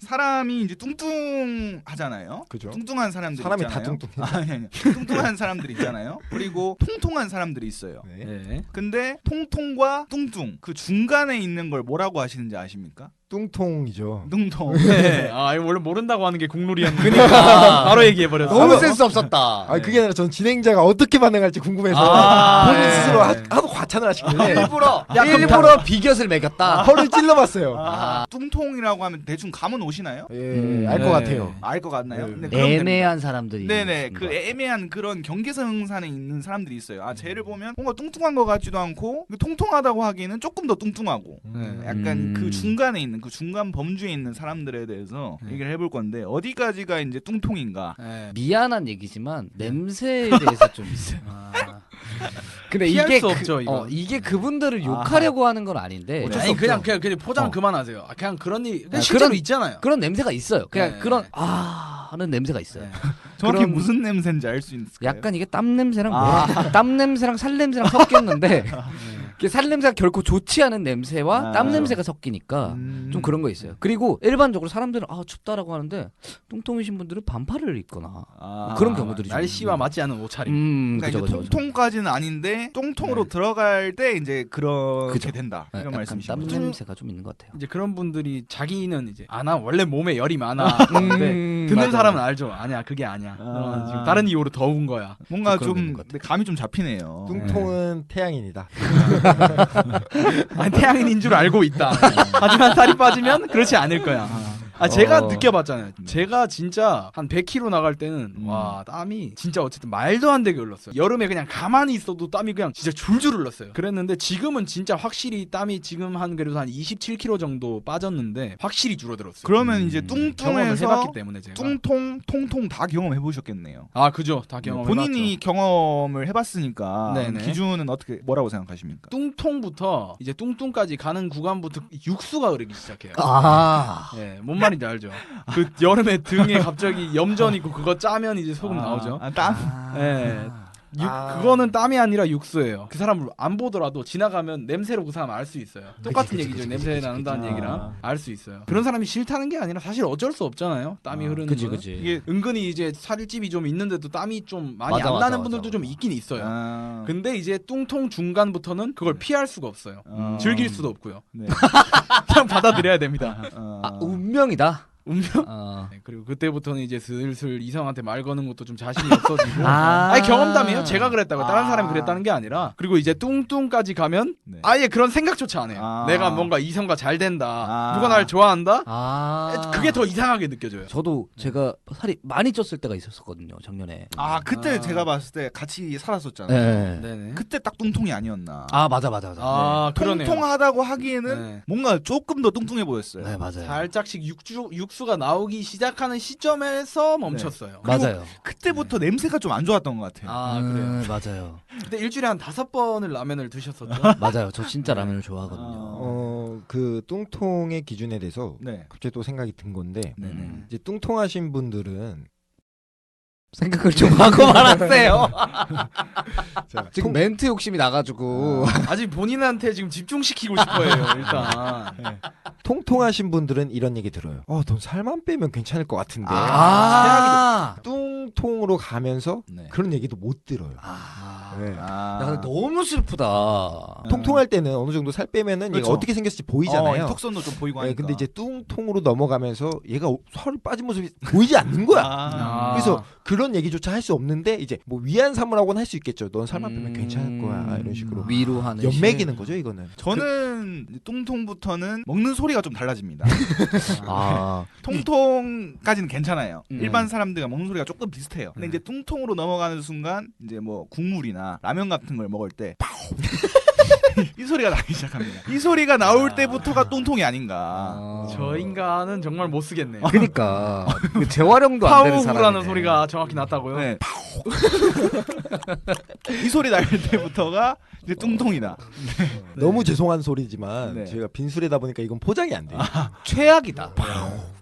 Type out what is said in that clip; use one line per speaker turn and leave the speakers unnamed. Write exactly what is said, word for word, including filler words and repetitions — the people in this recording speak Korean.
사람이 이제 뚱뚱하잖아요.
그죠.
뚱뚱한 사람들
사람이
있잖아요.
다 뚱뚱해.
아니, 아니. 뚱뚱한 사람들이 있잖아요. 그리고 통통한 사람들이 있어요.
네.
네.
근데 통통과 뚱뚱 그 중간에 있는 걸 뭐라고 하시는지 아십니까?
뚱통이죠.
뚱통.
네. 아 이거 원래 모른다고 하는 게 국룰이었는데 그러니까 바로 얘기해 버렸어.
너무 센스 없었다.
아 그게 아니라 전 진행자가 어떻게 반응할지 궁금해서
아,
본인
네.
스스로 하, 하도 과찬을 하시길래
일부러
야, 그럼
일부러 비곁을 매겼다.
허를 찔러봤어요.
아, 뚱통이라고 하면 대충 감은 오시나요?
예,
음,
알 것
네.
같아요.
알 것 같나요?
네.
근데 그럼
애매한 사람들이.
네네
있는
그
것 같아요.
애매한 그런 경계선상에 있는 사람들이 있어요. 아 쟤를 보면 뭔가 뚱뚱한 것 같지도 않고 통통하다고 하기에는 조금 더 뚱뚱하고
음.
약간
음.
그 중간에 있는 그 중간 범주에 있는 사람들에 대해서
네.
얘기를 해볼 건데 어디까지가 이제 뚱통인가?
네.
미안한 얘기지만 냄새에 대해서 좀 있어요.
아.
근데
피할
이게
수
그,
없죠, 이거.
어, 이게 그분들을 욕하려고 하는 건 아닌데
어쩔 수
아니
없죠.
그냥 그냥 그냥 포장
어.
그만하세요. 아, 그냥 그런 일 그냥
아,
실제로
그런-
있잖아요.
그런 냄새가 있어요. 그냥
네.
그런 아 하는 냄새가 있어요.
네.
정확히
그런-
무슨 냄새인지 알 수 있을까요?
약간 이게 땀 냄새랑
아.
뭐라 땀 냄새랑 살 냄새랑 섞였는데 이게 살 냄새가 결코 좋지 않은 냄새와
아.
땀 냄새가 섞이니까
음.
좀 그런 거 있어요. 그리고 일반적으로 사람들은 아 춥다라고 하는데 뚱뚱이신 분들은 반팔을 입거나
아.
그런 경우들이 좀
날씨와
있는.
맞지 않은 옷차림.
음
그러니까
그죠
이제
그죠. 그죠.
통통까지는 아닌데 똥통으로
네.
들어갈 때 이제 그렇게
그죠.
된다
네,
이런
약간
말씀이신
땀
거죠.
냄새가 좀 있는 것 같아요.
이제 그런 분들이 자기는 이제 아나 원래 몸에 열이 많아. 근데
음,
듣는
맞아요.
사람은 알죠. 아니야 그게 아니야.
아.
어, 지금 다른 이유로 더운 거야.
뭔가
좀 그런 게 있는
좀
것 같아요.
감이 좀 잡히네요.
뚱통은 태양인이다.
아니, 태양인인 줄 알고 있다. 하지만 살이 빠지면 그렇지 않을 거야. 아 제가
어.
느껴봤잖아요. 제가 진짜 한 백 킬로그램 나갈 때는
음.
와 땀이 진짜 어쨌든 말도 안 되게 흘렀어요. 여름에 그냥 가만히 있어도 땀이 그냥 진짜 줄줄 흘렀어요. 그랬는데 지금은 진짜 확실히 땀이 지금 한 그래도 한 이십칠 킬로그램 정도 빠졌는데 확실히 줄어들었어요.
그러면
음,
이제
경험을
뚱뚱해서
해봤기 때문에 제가.
뚱통, 통통 다 경험해 보셨겠네요.
아 그죠. 다 경험해봤죠.
본인이 경험을 해봤으니까
네네.
기준은 어떻게 뭐라고 생각하십니까?
뚱통부터 이제 뚱뚱까지 가는 구간부터 육수가 흐르기 시작해요.
아
예, 뭔 말인지 알죠. 그 여름에 등에 갑자기 염전 있고 그거 짜면 이제 소금 나오죠.
아, 땀.
예. 육,
아.
그거는 땀이 아니라 육수예요. 그 사람을 안 보더라도 지나가면 냄새로 그 사람 알 수 있어요. 똑같은
그치,
얘기죠.
그치,
냄새
그치,
나는다는
그치.
얘기랑
아.
알 수 있어요. 그런 사람이 싫다는 게 아니라 사실 어쩔 수 없잖아요. 땀이
아,
흐르는
그지
거는.
그지.
이게
은근히 이제 살집이 좀 있는데도 땀이 좀 많이
맞아,
안
맞아,
나는
맞아,
분들도
맞아.
좀 있긴 있어요.
아,
근데 이제 뚱통 중간부터는 그걸 피할 수가 없어요.
어.
즐길 수도 없고요.
네.
그냥 받아들여야 됩니다.
어.
아 운명이다.
운명.
어.
네, 그리고 그때부터는 이제 슬슬 이성한테 말 거는 것도 좀 자신이 없어지고.
아.
아니 경험담이에요. 제가 그랬다고 다른
아.
사람이 그랬다는 게 아니라. 그리고 이제 뚱뚱까지 가면
네.
아예 그런 생각조차 안 해요.
아.
내가 뭔가 이성과 잘 된다.
아.
누가 날 좋아한다.
아
그게 더 이상하게 느껴져요.
저도 제가 살이 많이 쪘을 때가 있었거든요 작년에.
아 그때
아.
제가 봤을 때 같이 살았었잖아요.
네.
네네.
그때 딱 뚱통이 아니었나.
아 맞아 맞아 맞아.
아 그러네요.
통통하다고 하기에는
네.
뭔가 조금 더 뚱뚱해 보였어요.
네 맞아요.
살짝씩 육주, 육수가 나오기 시작하는 시점에서 멈췄어요.
그리고
맞아요.
그때부터 냄새가 좀 안 좋았던 것 같아요.
아 그래요.
음, 맞아요.
그때 일주일에 한 다섯 번을 라면을 드셨었죠.
맞아요. 저 진짜 라면을 좋아하거든요.
어, 그 뚱통의 기준에 대해서
네.
갑자기 또 생각이 든 건데
네네.
음.
이제 뚱통하신 분들은
생각을 좀 하고 말았어요.
자,
지금
통-
멘트 욕심이 나가지고.
아직 본인한테 지금 집중시키고 싶어요. 일단.
통통하신 분들은 이런 얘기 들어요. 어, 넌 살만 빼면 괜찮을 것 같은데.
아.
뚱통으로 가면서
네.
그런 얘기도 못 들어요.
아.
네.
아.
야, 근데 너무 슬프다.
통통할 때는 어느 정도 살 빼면은 얘가
그렇죠.
어떻게 생겼을지 보이잖아요.
어, 턱선도 좀 보이고
네,
하니까.
근데 이제 뚱통으로 넘어가면서 얘가 살이 빠진 모습이 보이지 않는 거야.
아.
그래서 그런 얘기조차 할 수 없는데 이제 뭐 위안 삼으라고는 할 수 있겠죠. 넌 살만 빼면
음,
괜찮을 거야. 이런 식으로
위로하는
연맥이는 거죠, 이거는.
저는 뚱통부터는 먹는 소리가 좀 달라집니다.
아.
통통까지는 괜찮아요.
음.
일반 사람들과 먹는 소리가 조금 비슷해요. 근데
음.
이제 뚱통으로 넘어가는 순간 이제 뭐 국물이나 라면 같은 걸 먹을 때 파우 이 소리가 나기 시작합니다. 이 소리가 나올 때부터가 뚱통이 아닌가.
아.
저 인간은 정말 못 쓰겠네요.
그러니까 그 재활용도 안 되는 사람이네.
파우라는 소리가 정확히 났다고요?
네. 파우 이 소리 날 때부터가 이제 뚱통이다.
너무 죄송한 소리지만
네.
제가 빈술이다 보니까 이건 포장이 안 돼요.
최악이다.